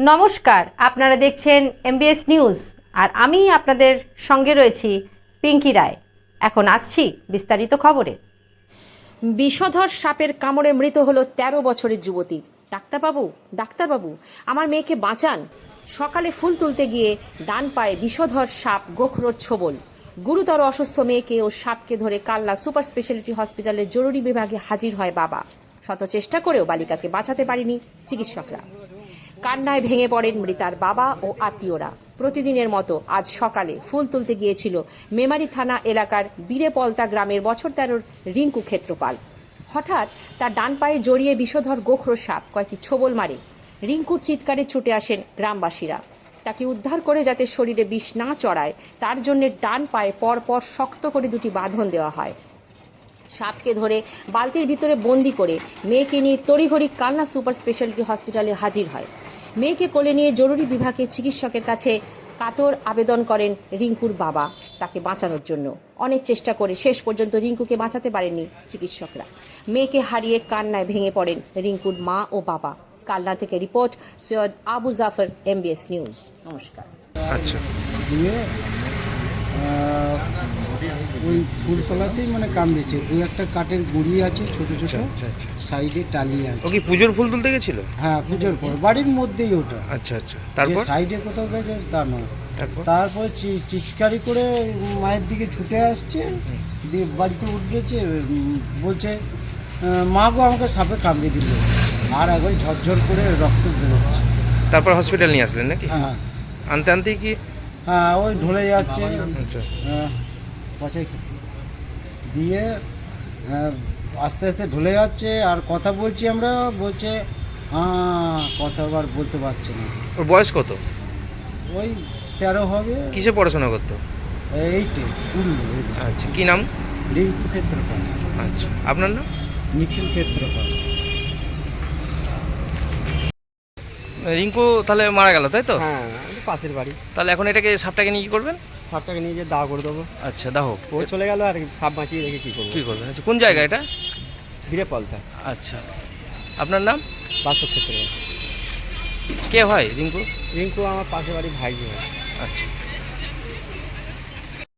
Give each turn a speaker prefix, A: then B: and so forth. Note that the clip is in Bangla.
A: নমস্কার, আপনারা দেখছেন এমবিএস নিউজ আর আমি আপনাদের সঙ্গে রয়েছি পিঙ্কি রায়। এখন আসছি বিস্তারিত খবরে। বিষধর সাপের কামড়ে মৃত হলো ১৩ বছরের যুবতী। ডাক্তারবাবু, আমার মেয়েকে বাঁচান। সকালে ফুল তুলতে গিয়ে ডান পায়ে বিষধর সাপ গোখরোর ছোবল। গুরুতর অসুস্থ মেয়েকে ও সাপকে ধরে কালনা সুপার স্পেশালিটি হসপিটালের জরুরি বিভাগে হাজির হয় বাবা। শত চেষ্টা করেও বালিকাকে বাঁচাতে পারেনি চিকিৎসকরা। কান্নায় ভেঙে পড়েন মৃতার বাবা ও আত্মীয়রা। প্রতিদিনের মতো আজ সকালে ফুল তুলতে গিয়েছিল মেমারি থানা এলাকার বীরেপলতা গ্রামের বছর ১৩ রিঙ্কু ক্ষেত্রপাল। হঠাৎ তার ডান পায়ে জড়িয়ে বিষধর গোখরো সাপ কয়েকটি ছোবল মারে। রিঙ্কুর চিৎকারে ছুটে আসেন গ্রামবাসীরা। তাকে উদ্ধার করে যাতে শরীরে বিষ না চড়ায় তার জন্য ডান পায়ে পরপর শক্ত করে দুটি বাঁধন দেওয়া হয়। সাপকে ধরে বালতির ভিতরে বন্দি করে মেয়েকে নিয়ে তড়িঘড়ি কালনা সুপার স্পেশালিটি হসপিটালে হাজির হয়। মেয়েকে কোলে নিয়ে জরুরি বিভাগের চিকিৎসকের কাছে কাতর আবেদন করেন রিঙ্কুর বাবা তাকে বাঁচানোর জন্য। অনেক চেষ্টা করে শেষ পর্যন্ত রিঙ্কুকে বাঁচাতে পারেননি চিকিৎসকরা। মেয়েকে হারিয়ে কান্নায় ভেঙে পড়েন রিঙ্কুর মা ও বাবা। কালনা থেকে report Syed Abu Jafar, MBS news. নমস্কার।
B: আচ্ছা,
C: দিয়ে ওই ফুলতলাতেই মানে কামড়েছে। দু একটা কাঠের গুঁড়ি আছে ছোট ছোট,
B: আচ্ছা, আচ্ছা।
C: সাইডে টালি আছে।
B: ও কি পুজোর ফুল তুলতে গেছিল?
C: হ্যাঁ, পুজোর পর বাড়ির মধ্যেই ওটা।
B: আচ্ছা আচ্ছা,
C: যে
B: তারপর
C: সাইডে কোথাও গেছে তা নয়।
B: তারপর
C: তারপর চিৎকারি করে মায়ের দিকে ছুটে আসছে, দিয়ে বাড়িতে উঠেছে। বলছে, মা গো আমাকে সাপে কামড়ে দিল। আর একবার ঝরঝর করে রক্ত বেরোচ্ছে।
B: তারপর হসপিটাল নিয়ে আসলেন নাকি?
C: হ্যাঁ
B: আনতে আনতেই কি?
C: হ্যাঁ, ওই ঢলে যাচ্ছে।
B: আচ্ছা,
C: পচাই খেতে দিয়ে আস্তে আস্তে ঢলে যাচ্ছে। আর কথা বলছি আমরা, বলছে হ্যাঁ, কথা আবার বলতে পারছে না।
B: ওর বয়স কত?
C: ওই 13 হবে।
B: কিসে পড়াশোনা করতো?
C: 8-এ উঠলো।
B: আচ্ছা, কি নাম?
C: রিঙ্কু ক্ষেত্রপাল।
B: আচ্ছা, আপনার নাম?
C: নিখিল ক্ষেত্রপাল।
B: রিঙ্কু তাহলে মারা গেল, তাই তো?
D: হ্যাঁ, পাশের বাড়ি।
B: তাহলে এখন এটাকে সাপটাকে নিয়ে কি করবেন?
D: সাপটাকে নিয়ে গিয়ে দাও করে দেবো।
B: আচ্ছা, দাহ।
D: ও চলে গেল আর সাপ বাঁচিয়ে রেখে কী করবো?
B: কি করবেন? আচ্ছা, কোন জায়গা এটা?
D: ফিরে পলতা
B: আচ্ছা, আপনার নাম?
D: বাস্তব ক্ষেত্রে।
B: কে হয় রিঙ্কু?
D: রিঙ্কু আমার পাশের বাড়ি ভাই হয়।
B: আচ্ছা।